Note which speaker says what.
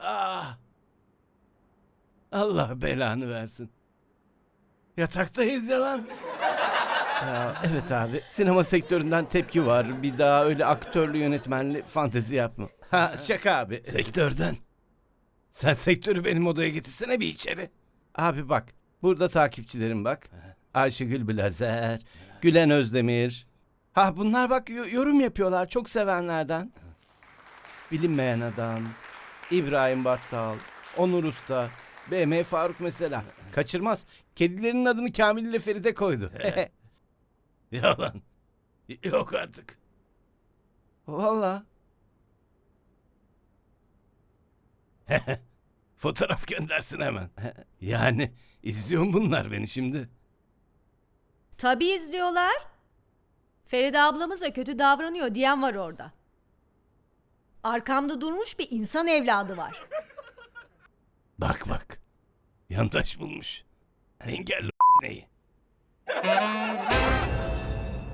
Speaker 1: Ah! Allah belanı versin. Yataktayız ya lan.
Speaker 2: Ya, evet abi, sinema sektöründen tepki var. Bir daha öyle aktörlü yönetmenli fantezi yapma. Ha, şaka abi.
Speaker 1: Sektörden. Sen sektörü benim odaya getirsene bir içeri.
Speaker 2: Abi bak, burada takipçilerim bak. Ayşegül Blazer, Gülen Özdemir. Ha bunlar bak yorum yapıyorlar çok sevenlerden. Bilinmeyen Adam, İbrahim Battal, Onur Usta, BM Faruk mesela. Kaçırmaz. Kedilerinin adını Kamil ile Feride koydu.
Speaker 1: Yalan. Yok artık.
Speaker 2: Vallahi.
Speaker 1: Fotoğraf göndersin hemen. Yani izliyor bunlar beni şimdi.
Speaker 3: Tabii izliyorlar. Feride ablamıza kötü davranıyor diyen var orada. Arkamda durmuş bir insan evladı var.
Speaker 1: Bak bak. Yandaş bulmuş. Engelli neyi?